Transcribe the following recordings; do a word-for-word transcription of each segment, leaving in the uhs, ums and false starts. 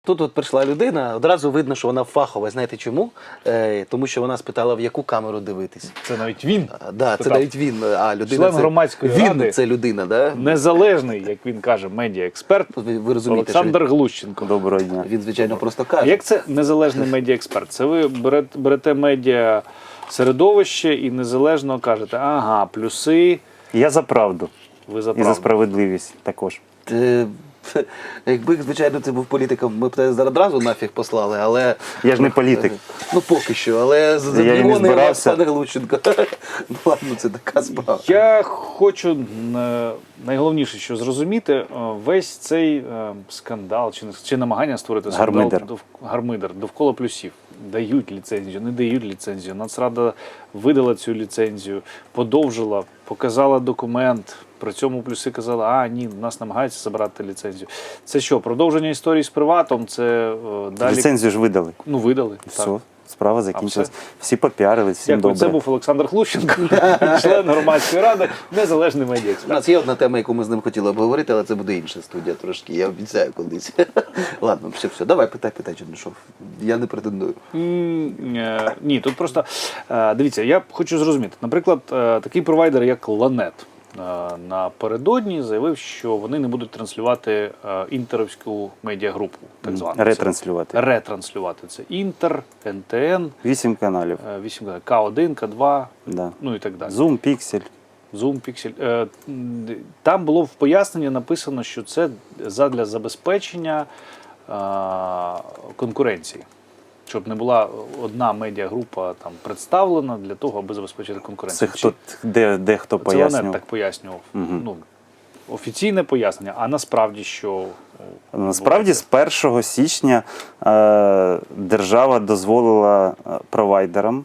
Тут от прийшла людина, одразу видно, що вона фахова. Знаєте чому? Е, тому що вона спитала, в яку камеру дивитись. Це навіть він. А, да, це навіть він. А людина Член це, громадської він ради. це людина, да? Незалежний, як він каже, медіаексперт Ви, ви розумієте, Олександр що Глущенко. Доброго дня. він, звичайно, просто А каже. як це незалежний медіаексперт? Це ви берете, берете медіа середовище і незалежно кажете, ага, плюси, Я за правду ви за і за правду. справедливість також. Е, Якби, звичайно, це був політиком, ми б тебе зараз одразу нафіг послали, але... Я ж не політик. Ну, поки що, але за Я і не мільйони збирався. пане Глущенко. Ну, ладно, це така справа. Я хочу е, найголовніше, що зрозуміти, е, весь цей е, скандал чи, чи намагання створити скандал Гармидер. дов, гармидер довкола плюсів. Дають ліцензію, не дають ліцензію. Нацрада видала цю ліцензію, подовжила, показала документ. При цьому плюси казали, а ні, нас намагаються забрати ліцензію. Це що, продовження історії з приватом? Це е, далі... Ліцензію ж видали. Ну, видали. Все, Так. справа закінчилась. все? Всі попіарились, всім Дякую. добре. Це був Олександр Глущенко, член громадської ради, незалежний У медіаексперт. нас є одна тема, яку ми з ним хотіли обговорити, але це буде інша студія трошки, я обіцяю колись. Ладно, все, все, давай, питай, питай, Чернишов. Я не претендую. М, е, Ні, тут просто, е, дивіться, я хочу зрозуміти. Наприклад, е, такий провайдер, як Ланет, е, напередодні заявив, що вони не будуть транслювати е, інтеровську медіагрупу, так звану. Ретранслювати. Ретранслювати. Це Інтер, ен те ен, Вісім каналів. е, вісім, Ка один, Ка два, Да. ну і так далі. Zoom, Pixel. Zoom, Pixel. Е, м, Там було в поясненні написано, що це задля забезпечення е, конкуренції. Щоб не була одна медіагрупа там представлена для того, аби забезпечити Це конкуренцію. хто, де, де хто Чи- Це Ланет пояснював. так пояснював. Мгм. Ну, офіційне пояснення, а насправді що? Насправді з першого січня е, держава дозволила е, провайдерам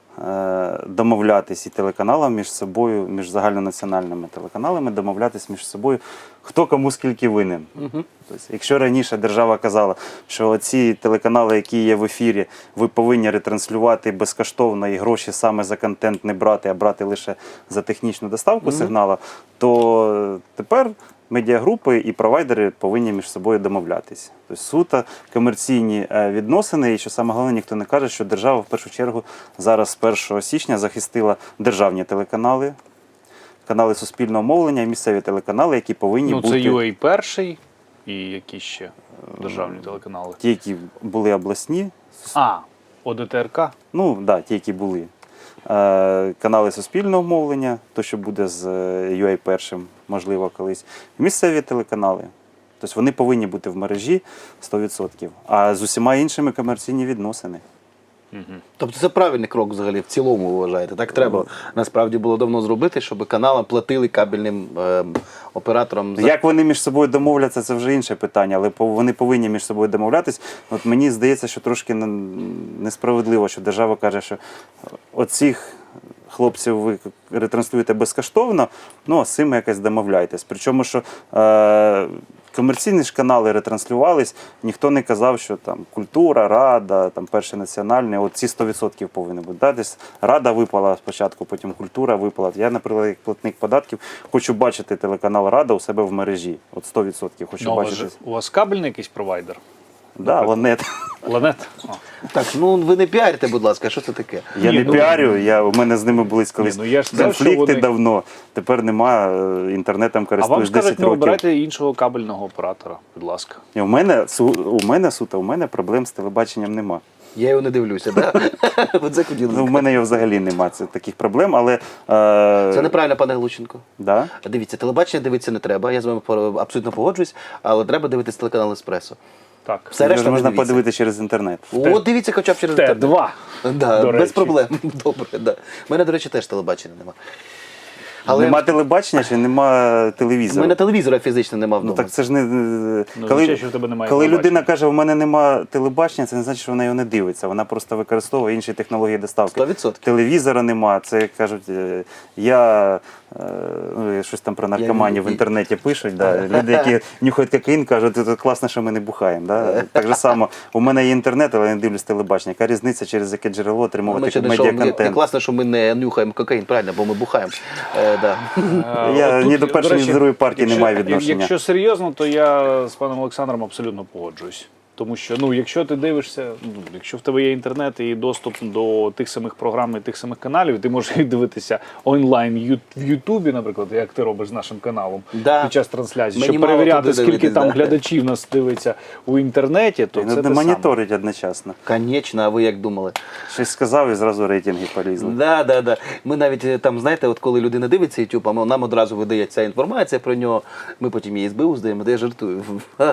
е, домовлятись і телеканалам між собою, між загальнонаціональними телеканалами, домовлятись між собою, хто кому скільки винен. Угу. Тобто, якщо раніше держава казала, що ці телеканали, які є в ефірі, ви повинні ретранслювати безкоштовно і гроші саме за контент не брати, а брати лише за технічну доставку Мгм. сигналу, то тепер медіагрупи і провайдери повинні між собою домовлятися. Тобто суто комерційні е, відносини, і що саме головне, ніхто не каже, що держава в першу чергу зараз з першого січня захистила державні телеканали, канали суспільного мовлення і місцеві телеканали, які повинні Ну, бути... це ю ей перший і які ще державні телеканали. Ті, які були обласні, А, О Де Те Ер Ка? ну, да, ті, які були. Е, канали суспільного мовлення, то, що буде з е, ю ей першим, можливо, колись. Місцеві телеканали. Тобто вони повинні бути в мережі сто відсотків. А з усіма іншими комерційні відносини. Угу. Тобто це правильний крок взагалі в цілому, ви вважаєте? Так треба насправді було давно зробити, щоб канали платили кабельним ем, операторам за... Як вони між собою домовляться, це вже інше питання, але пов- вони повинні між собою домовлятись. От мені здається, що трошки н- несправедливо, що держава каже, що оцих хлопців ви ретранслюєте безкоштовно, ну а з цими якось домовляйтесь. Причому, що е- комерційні ж канали ретранслювались, ніхто не казав, що там культура, рада, там перший національний, от ці сто відсотків повинні бути. Да? Десь рада випала спочатку, потім культура випала. Я, наприклад, як платник податків, хочу бачити телеканал Рада у себе в мережі. От сто відсотків хочу Ну, у вас бачити. же- у вас кабельний якийсь провайдер? Да, Ланет. Ланет? О. Так, ну ви не піарите, будь ласка, що це таке? Я Ні, не ну- піарю, я, у мене з ними були колись Ні, ну я ж сказав, що конфлікти вони- давно. Тепер нема, е, інтернетом А вам користуюсь скажуть, десять не років. обирайте іншого кабельного оператора, будь ласка. І у мене, су- у мене, суто, у мене проблем з телебаченням нема. Я його не дивлюся, да? Ви це хотіли Ну, в сказати. мене його взагалі нема це, таких проблем, але... Е, Це неправильно, пане Глущенко. да? Дивіться, телебачення дивитися не треба, я з вами пор- абсолютно погоджуюсь, але треба дивитися телеканал «Еспресо». Так. Все Його решта ж не можна дивіться. подивитися через інтернет. О, дивіться хоча б через Т інтернет. два. Да, до без речі. проблем. Добре, да. У мене, до речі, теж телебачення нема. Але Нема телебачення чи нема у телевізора? мене телевізора фізично нема вдома. Ну так це ж не... Ну, коли звичайно, що в тебе немає коли телебачення. людина каже, у мене нема телебачення, це не значить, що вона його не дивиться. Вона просто використовує інші технології доставки. сто відсотків. Телевізора нема. Це, як кажуть, е, я е, ну, щось там про наркоманів в Я- інтернеті пишуть. Да. Люди, які нюхають кокаїн, кажуть, це класно, що ми не бухаємо. Да. Так же само, у мене є інтернет, але я не дивлюсь телебачення. Яка різниця, через яке джерело Ми отримувати ще не, що, не медіаконтент? класно, що ми не нюхаємо кокаїн, правильно, бо ми бухаємо. Е, да. Я От ні тут, до першої, ні речі, до другої партії не якщо- маю відношення. Якщо серйозно, то я з паном Олександром абсолютно погоджуюсь. Тому що, ну, якщо ти дивишся, ну, якщо в тебе є інтернет і доступ до тих самих програм і тих самих каналів, ти можеш їх дивитися онлайн ю- в Ютубі, наприклад, як ти робиш з нашим каналом Да. під час трансляції, Мені щоб мало перевіряти, туди скільки дивитись, там да. глядачів нас дивиться у інтернеті, то І це не те саме. моніторить одночасно. Конечно, а ви як думали? Щось сказав і зразу рейтинги полізли. Да, да, да. Ми навіть е, там, знаєте, от коли людина дивиться YouTube, а ми- нам одразу видає ця інформація про нього, ми потім її СБУ здаємо, де я жартую.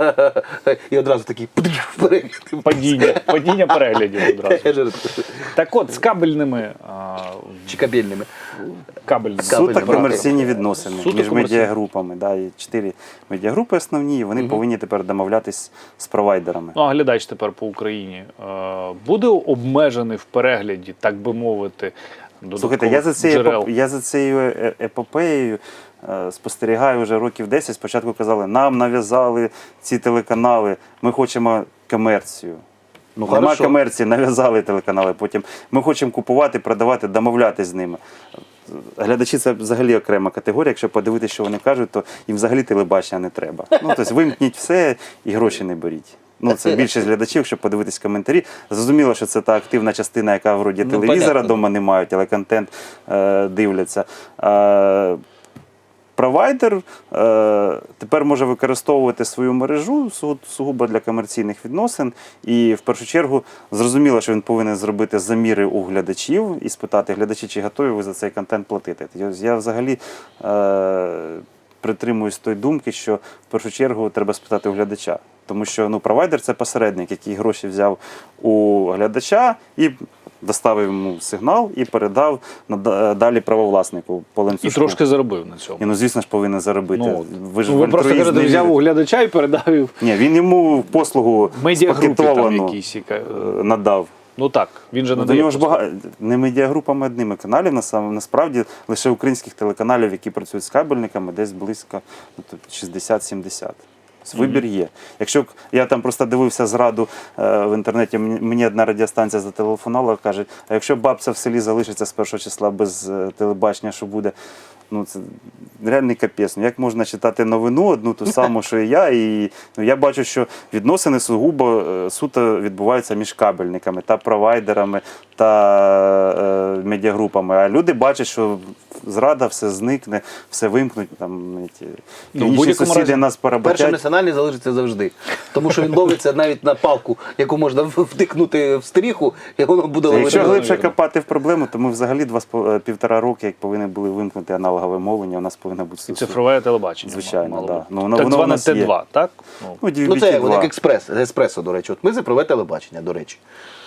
І одразу такий перегляд. Падіння, падіння переглядів одразу. Я жартую. Так от, з кабельними, а, Чи кабельними. кабельними Суто Кабельним комерційні відносини Суто між комерційні. медіагрупами. Да, і чотири медіагрупи основні, і вони повинні тепер домовлятись з провайдерами. Ну, а глядач тепер по Україні е, буде обмежений в перегляді, так би мовити, Слухайте, я за, додаткових цією, джерел? епоп- я за цією е- епопеєю е, спостерігаю вже років десять. Спочатку казали, нам нав'язали ці телеканали, ми хочемо комерцію. Ну, Нема хорошо. комерції, нав'язали телеканали. Потім ми хочемо купувати, продавати, домовлятись з ними. Глядачі це взагалі окрема категорія. Якщо подивитися, що вони кажуть, то їм взагалі телебачення не треба. Ну, тобто вимкніть все і гроші не беріть. Ну, це більшість глядачів, якщо подивитись коментарі. Зрозуміло, що це та активна частина, яка вроді Ну, телевізора понятно. вдома не мають, але контент е, дивляться. Е, Провайдер е, тепер може використовувати свою мережу су- сугубо для комерційних відносин. І в першу чергу зрозуміло, що він повинен зробити заміри у глядачів і спитати глядачі, чи готові ви за цей контент платити. Я, я взагалі е, притримуюсь тої думки, що в першу чергу треба спитати у глядача. Тому що ну, провайдер – це посередник, який гроші взяв у глядача і доставив йому сигнал і передав нада- далі правовласнику по І ланцюжку. трошки заробив на цьому. Ні, ну звісно ж повинен заробити. Ну, ви ж Ну, в ви просто альтруїзм кажете, не взяв у вірите. глядача і передав Ні, він йому послугу медіагрупі там спакетовану якісь. яка- е, надав. Ну так, він же Ну, до надає. нього ж послуги. багато не медіагрупами одними каналів, насам- насправді лише українських телеканалів, які працюють з кабельниками, десь близько ну, тут шістдесят-сімдесят. Вибір є. Якщо к- я там просто дивився зраду е, в інтернеті, мені, мені одна радіостанція зателефонувала, каже, а якщо бабця в селі залишиться з першого числа без е, телебачення, що буде? Ну, це реальний капець. Ну, як можна читати новину одну ту саму, що і я, і ну, я бачу, що відносини сугубо е, суто відбуваються між кабельниками та провайдерами та е, медіагрупами. А люди бачать, що зрада, все зникне, все вимкнуть. Там, ті, Ну, в північні будь-якому сусіди разі, нас Перший поработять. національний залишиться завжди. Тому що він ловиться навіть на палку, яку можна втикнути в стріху, і воно буде ловити. Якщо глибше навірно. копати в проблему, то ми взагалі два з по- е, півтора роки, як повинні були вимкнути аналогове мовлення, у нас повинна бути І сусід. цифрове телебачення. Звичайно, мало да. бути. Ну, воно- так воно у зване нас є. Т два, так? Ну, Ну, ді Ну бі це ті от як два. експрес, еспресо, до речі. От ми цифрове телебачення, до речі.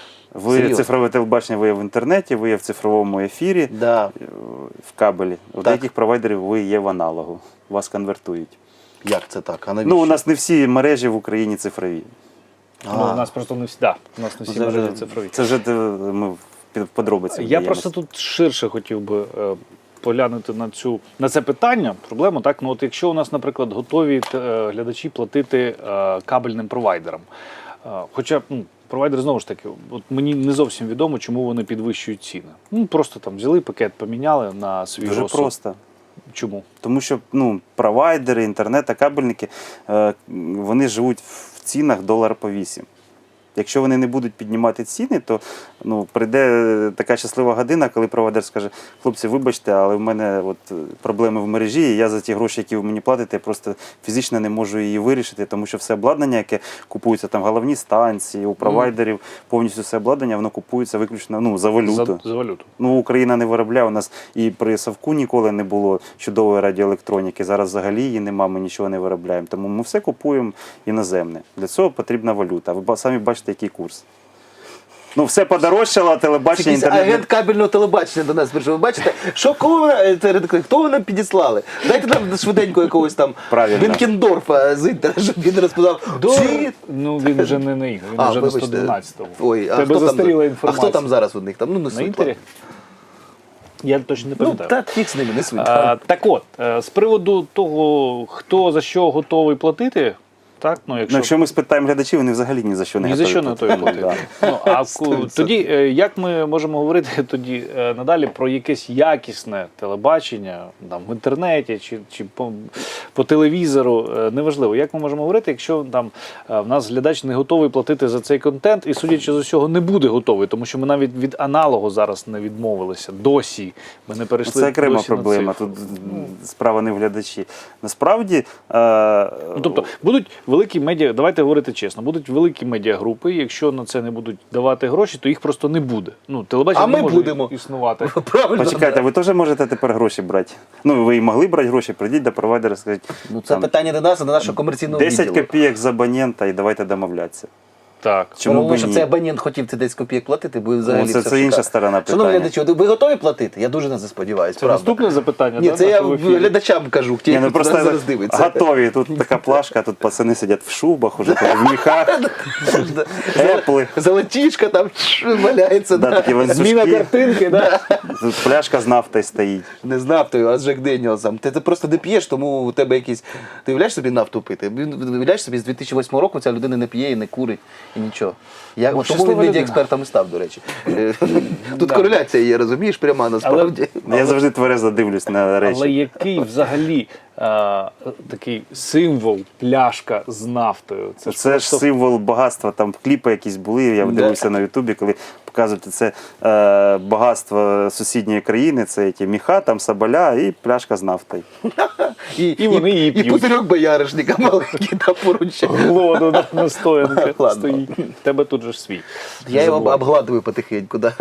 Ви Серйозно. цифрове телебачення, ви є в інтернеті, ви є в цифровому ефірі, Да. е, в кабелі. У Так. деяких провайдерів ви є в аналогу. Вас конвертують. Як це так? А навіщо? Ну, у нас не всі мережі в Україні цифрові. ну, А. у нас просто не всі, да, у нас не всі Це вже- мережі цифрові. Це вже е, ми в під- в подробиці. Я вдаємось. просто тут ширше хотів би е, поглянути на цю на це питання. Проблема так. Ну от якщо у нас, наприклад, готові е, глядачі платити е, кабельним провайдерам, е, хоча ну, провайдер знову ж таки, от мені не зовсім відомо, чому вони підвищують ціни. Ну просто там взяли пакет, поміняли на свій Дуже розсуд. просто. Чому? Тому що ну, провайдери, інтернет та кабельники, е, вони живуть в цінах долар по вісім. Якщо вони не будуть піднімати ціни, то ну, прийде така щаслива година, коли провайдер скаже, хлопці, вибачте, але в мене от проблеми в мережі, і я за ті гроші, які ви мені платите, просто фізично не можу її вирішити, тому що все обладнання, яке купується, там головні станції, у провайдерів, повністю все обладнання, воно купується виключно ну, за валюту. За, за валюту. Ну, Україна не виробляє, у нас і при Савку ніколи не було чудової радіоелектроніки, зараз взагалі її нема, ми нічого не виробляємо, тому ми все купуємо іноземне. Для цього потрібна валюта. Ви ба- самі бачите, який курс. Ну, все подорожчало, а телебачення, Якийсь інтернет. агент кабельного телебачення до нас прийшов. Ви бачите, що кого ви, е, це редактор, хто ви нам підіслали? Дайте нам швиденько якогось там Правильно. Бенкендорфа з інтера, щоб він розповідав. Ці... Ну він вже не на ігри, він А, вже на вибачте. сто дванадцятому. Ой, а Тебе хто там, застаріла а інформація. хто там зараз у них? Там, ну, не На суть, інтері? ладно. Я точно не Ну, пам'ятаю. та фіг з ними, не суть. А, так от, е, з приводу того, хто за що готовий платити, Так, ну, Ну, якщо, якщо ми спитаємо глядачів, вони взагалі ні за що не ні за готові що не готові платити. платити. Да. Ну, а ку- тоді е, як ми можемо говорити тоді е, надалі про якесь якісне телебачення там, в інтернеті чи, чи по, по телевізору, е, неважливо. Як ми можемо говорити, якщо там е, в нас глядач не готовий платити за цей контент і, судячи з усього, не буде готовий, тому що ми навіть від аналогу зараз не відмовилися. Досі ми не перейшли Це окрема досі на проблема. цифру. Тут справа не в глядачі. Насправді, е, Ну, тобто будуть великі медіа, давайте говорити чесно, будуть великі медіагрупи, якщо на це не будуть давати гроші, то їх просто не буде. Ну, телебачення А ми не може будемо. існувати. Правильно. почекайте, ви теж можете тепер гроші брати. Ну, ви і могли брати гроші, прийдіть до провайдера, скажіть, Ну, це там, питання до нас, а до нашого комерційного десять відділу. копійок з абонента і давайте домовлятися. Так. Чому Тому б що ні? цей абонент хотів ці десять копійок платити, бо взагалі Ну, це- все це інша шикарно. сторона Шановні питання. глядачі, ви готові платити? Я дуже на це сподіваюся. Це правда. наступне запитання, Ні, да, це я нашого ефіру? глядачам кажу, ті, Ні, ну хто просто нас зараз дивиться. готові. Тут така плашка, тут пацани сидять в шубах, уже тут в міхах, епли. Золотішка там валяється. Да, да. такі ланцюжки. Зміна картинки, да? Тут пляшка з нафтою стоїть. Не з нафтою, а з Джек Деніелсом. Ти, ти просто не п'єш, тому у тебе якісь. Ти уявляєш собі нафту пити? Уявляєш собі, з дві тисячі восьмого року ця людина не п'є і не курить, і нічого. Я, тому щаслива він людина. медіаекспертом і став, до речі. Е, Тут кореляція є, розумієш, пряма насправді. Я завжди тверезо дивлюсь на Але речі. який взагалі а, такий символ пляшка з нафтою? Це ж Це ж просто символ багатства. Там кліпи якісь були. Я Да. дивився на Ютубі, коли показують це е, багатство сусідньої країни. Це ті міха, там соболя і пляшка з нафтою. І, І вони її і, п'ють. пузирьок бояришника маленький там поруч. воду да, настоянка Ладно. стоїть. В тебе тут же ж свій. Я його Забувай. обгладую потихеньку. Да.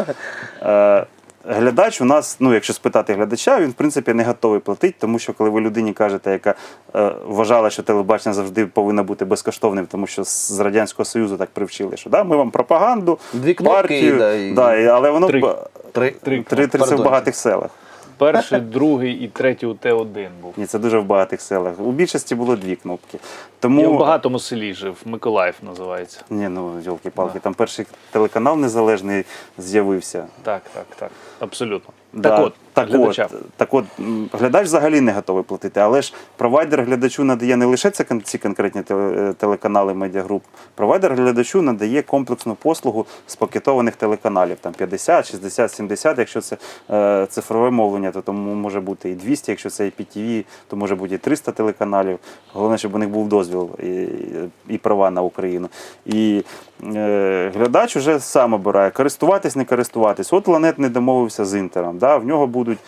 Е, Глядач у нас, ну якщо спитати глядача, він в принципі не готовий платити, тому що коли ви людині кажете, яка е, вважала, що телебачення завжди повинно бути безкоштовним, тому що з Радянського Союзу так привчили, що да, ми вам пропаганду, Дві кнопки, партію, да, і- да, і- але воно Три. б- Три. три, три це в Пардон. багатих селах. Перший, другий і третій у Т один був. Ні, це дуже в багатих селах. У більшості було дві кнопки. Тому Я в багатому селі жив, Миколаїв називається. ні, ну йолки-палки, там перший телеканал незалежний з'явився. Так, так, так. Абсолютно. Да, Так от, так глядачам. от, так от, м, глядач взагалі не готовий платити, але ж провайдер глядачу надає не лише це, кон- ці конкретні теле- телеканали медіагруп. Провайдер глядачу надає комплексну послугу з пакетованих телеканалів, там п'ятдесят, шістдесят, сімдесят, якщо це е, цифрове мовлення, то тому може бути і двісті, якщо це і пі ті ві, то може бути і триста телеканалів. Головне, щоб у них був дозвіл і, і права на Україну. І е, глядач уже сам обирає, користуватись, не користуватись. От Ланет не домовився з Інтером. Да? В нього будуть.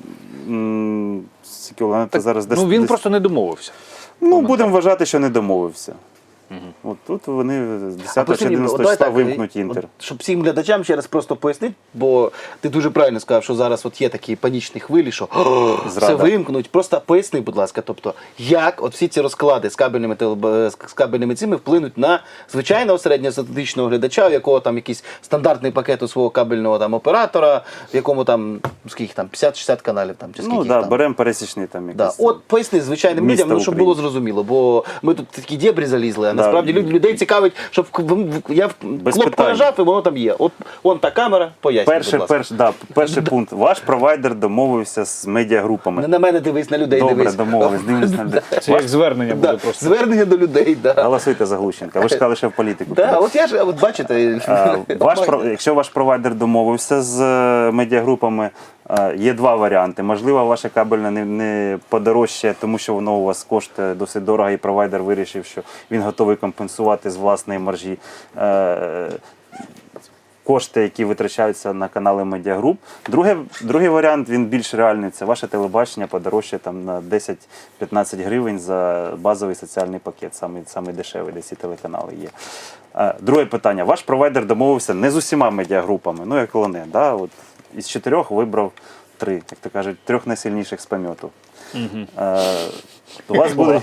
м, скільки Ланета зараз десь- Ну він десь- просто не домовився. Ну, будемо вважати, що не домовився. От тут вони з десятого чи Послухай, одинадцятого давай числа так, вимкнуть от, Інтер. щоб всім глядачам ще раз просто пояснити, бо ти дуже правильно сказав, що зараз от є такі панічні хвилі, що «О, все Зрада». вимкнуть. Просто поясни, будь ласка, тобто, як от всі ці розклади з кабельними телеб- з кабельними цими вплинуть на звичайного середньостатистичного глядача, у якого там якийсь стандартний пакет у свого кабельного там оператора, в якому там скільки там п'ятдесят-шістдесят каналів там чи скільки Ну їх так, там. беремо пересічний там Да. якийсь. От поясни звичайним Місто людям, ну, щоб України. було зрозуміло, бо ми тут такі дєбрі залізли, а Да. насправді люд- людей цікавить, щоб в- в- я в- кнопку питань. нажав і воно там є. От вон та камера, пояснюй, Перший, будь ласка. перш, да, перший пункт. Ваш провайдер домовився з медіагрупами. Не на мене дивись, на людей Добре, дивись. домовились, дивлюсь на людей. Це як звернення буде Да. просто. Звернення до людей, да. Голосуйте за Глущенка. Ви ж сказали, що в політику. Да, от я ж, от бачите, Е, Ваш, про- якщо ваш провайдер домовився з е, медіагрупами, е, є два варіанти. Можливо, ваше кабельне не, не подорожчає, тому що воно у вас коштує досить дорого, і провайдер вирішив, що він готовий компенсувати з власної маржі е, кошти, які витрачаються на канали медіагруп. Друге, другий варіант, він більш реальний. Це ваше телебачення подорожчає там на десять-п'ятнадцять гривень за базовий соціальний пакет, самий, самий дешевий, де ці телеканали є. Е, Друге питання. Ваш провайдер домовився не з усіма медіагрупами, ну як Лоне, да? От із чотирьох вибрав три, як то кажуть, трьох найсильніших з пам'яту. Е, У вас будуть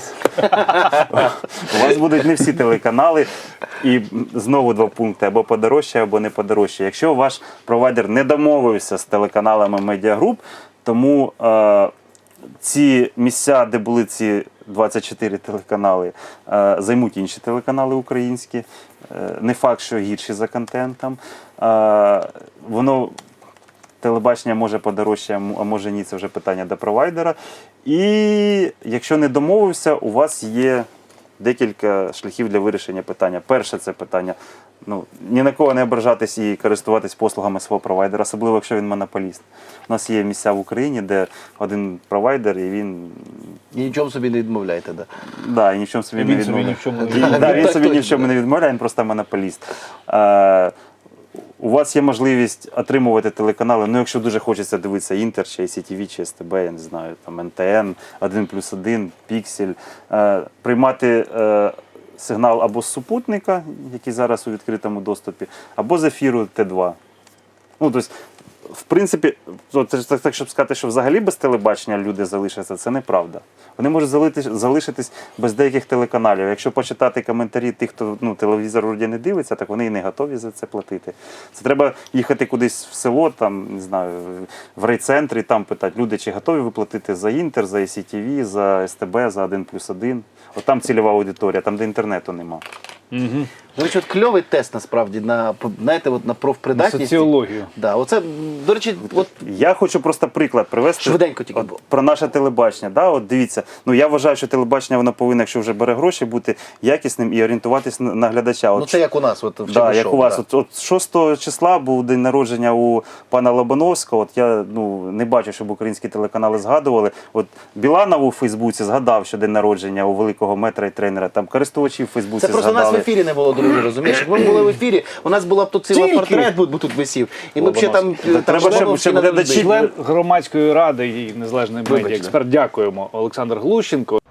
у вас будуть не всі телеканали, і знову два пункти: або подорожче, або не подорожче. Якщо ваш провайдер не домовився з телеканалами медіагруп, тому е, ці місця, де були ці двадцять чотири телеканали, е, займуть інші телеканали українські. Е, не факт, що гірші за контентом. Е, воно телебачення може подорожче, а може ні, це вже питання до провайдера. І якщо не домовився, у вас є декілька шляхів для вирішення питання. Перше це питання, ну, ні на кого не ображатись і користуватись послугами свого провайдера, особливо, якщо він монополіст. У нас є місця в Україні, де один провайдер, і він І нічому собі не відмовляєте, да. да, і ні в чому собі І не він собі відмовляє. ні в чому не І- відмовляє. да, він Так собі ні в точно. чому не відмовляє, він просто монополіст. Е, у вас є можливість отримувати телеканали, ну якщо дуже хочеться дивитися Інтер, чи Сі Ті Ві, чи Ес Те Бе, я не знаю, там Ен Те Ен, один плюс один, Піксель, е, приймати е, сигнал або з супутника, який зараз у відкритому доступі, або з ефіру Те два. Ну, тобто, в принципі, от, так, так, щоб сказати, що взагалі без телебачення люди залишаться, це неправда. Вони можуть залити- залишитись без деяких телеканалів. Якщо почитати коментарі тих, хто ну, телевізор вроді не дивиться, так вони і не готові за це платити. Це треба їхати кудись в село, там, не знаю, в райцентр і там питати, люди, чи готові ви платити за Інтер, за Сі Ті Ві, за Ес Те Бе, за один плюс один. От там цільова аудиторія, там, де інтернету нема. Угу. До речі, от кльовий тест насправді на, знаєте, от на профпридатність. Соціологію. Да, оце, до речі, от Я хочу просто приклад привести. Швиденько тільки. От, про наше телебачення. Да, от дивіться, ну я вважаю, що телебачення воно повинно, якщо вже бере гроші, бути якісним і орієнтуватись на, на глядача. От, ну це як у нас, от в да, Чернишов, як у вас. да. От, от шостого числа був день народження у пана Лобановського. От я ну, не бачу, щоб українські телеканали згадували. От Біланов у Фейсбуці згадав, що день народження у великого метра і тренера. Там користувачі в Фейсбуці Це просто згадали. нас в ефірі не було, друзі, розумієш? Якби ми були в ефірі, у нас була б тут цілий Тільки. портрет, бо тут висів. І ми б ще там, Так там треба, членів щоб- всі щоб на глядачі- людей. Член громадської ради і незалежний Вибачте. медіа експерт. Дякуємо. Олександр Глущенко.